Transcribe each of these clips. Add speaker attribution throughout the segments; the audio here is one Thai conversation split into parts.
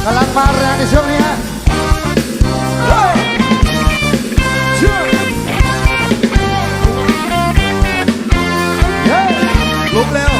Speaker 1: กำลังมาแรงในช่วงนี้ฮะ
Speaker 2: ลุกเร็ว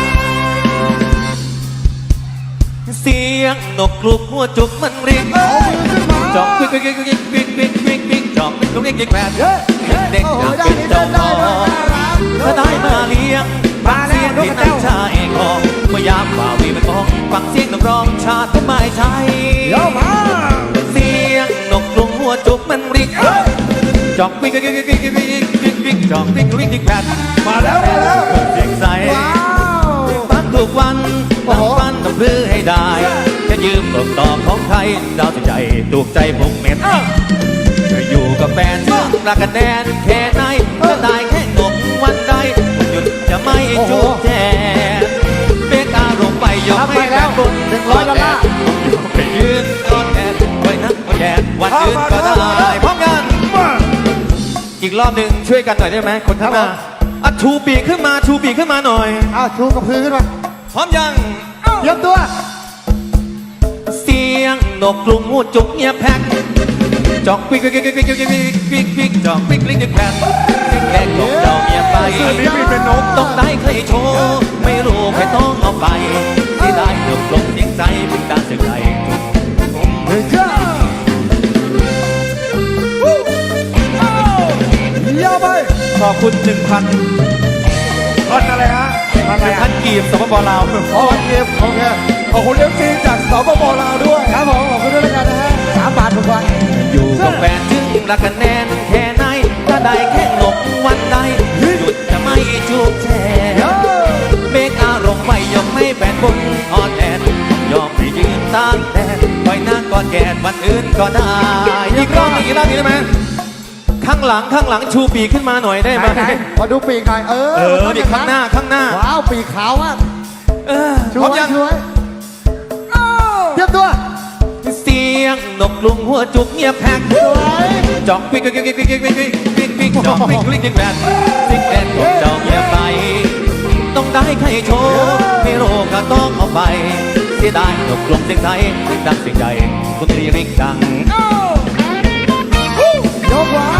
Speaker 2: เสียงนกกลุกหัวจุกมันเรียกจอกปิ๊กปิ๊กปิ๊กปิ๊กปิ๊กปิ๊กปิ๊กปิ๊กจอกปิ๊กเรียกกิ๊กแปดเด็กอยากเป็นเจ้าของถ้าได้มาเลี้ยงมาเสียงที่นั่งชายของเมื่อยามบ่าวีมันมองฟังเสียงนกร้องชาติไม่ใช่เสียงนกกลุกหัวจุกมันเรียกจอกปิ๊กปิ๊กปิ๊กปิ๊กปิ๊กปิ๊กปิ๊กจอกปิ๊กเรียกกิ๊กแปดมาแล้วเสียงใสฟังทุกวันตั้งฟันต้องพื้นให้ได้จะยืมตกต่อของใครดาวใจถูกใจผมเม็ดจะอยู่กับแฟนชื่อรักกันแน่นแค่ไหนจะตายแค่งบวันใดหยุดจะไม่จูบแทนเบกอารมณ์ไปยกให้แฟนบุญ$100ไปยืนกอดแทนไว้นักแทนวันยืนก็ได้พร้อมกันอีกรอบหนึ่งช่วยกันหน่อยได้ไหมคนข้างหน้าชูปีกขึ้นมาชูปีกขึ้นมาหน่อย
Speaker 1: เอาชูกระพือขึ้นมา
Speaker 2: พร้อมยัง
Speaker 1: เตรียมตัว
Speaker 2: เสียงนกกลุ่มหูจุกเงียบแพ็กจอกปิ๊กปิ๊กปิ๊กปิ๊กปิ๊กปิ๊กปิ๊กจอกปิ๊กปิ๊กปิ๊กแพ็กปิ๊กแพ็กของเจ้าเงียบไปต้องได้ใครโชว์ไม่รู้ใครต้องเอาไปที่ได้นกกลุ่มเสียงใจปิ๊กตาเสียงใจ
Speaker 1: เฮ้ยจ้าเยี่ยมไป
Speaker 2: ขอบคุณ1,000
Speaker 1: พันอะไรฮะ
Speaker 2: 1,000กีบสปป.ลาว
Speaker 1: อ๋อเก็บโอเคขอบคุณFCจากสปป.ลาวด้วยครับผมขอบคุณด้วยแล้วกันนะฮะ3 บาททุกวัน
Speaker 2: อยู่กับแฟนจึงรักกันแน่นแค่ไหนถ้าได้แค่หลบวันใดหยุดจะไม่จูบแช่เบกอารมณ์ไม่ยอมไม่แฟนบนอ่อนแอนยอมให้ยืนตากแดดไว้นั่งกอดแกนวันอื่นก็ได้อีกรอบอีกรอบนี้ได้ไหมข้างหลังชูปีกขึ้นมาหน่อยได้ไหม
Speaker 1: ขอดูปีกหน่อย
Speaker 2: ปีกข้างหน้า
Speaker 1: ว้าวปีกขาวมาก
Speaker 2: พร้อมยัง
Speaker 1: เตรียมตัว
Speaker 2: เสียงนกกลุ่มหัวจุกเงียบแพ็กจอกปิ๊กปิ๊กปิ๊กปิ๊กปิ๊กปิ๊กปิ๊กปิ๊กจอกปิ๊กปิ๊กปิ๊กแปดปิ๊กแปดของเจ้าเงียบไปต้องได้ใครโชว์ไม่โรก็ต้องเอาไปเสียดายนกกลุ่มเสียงไทยเสียงดังเสียงใหญ่คุณตรีริกดัง
Speaker 1: ยกไว้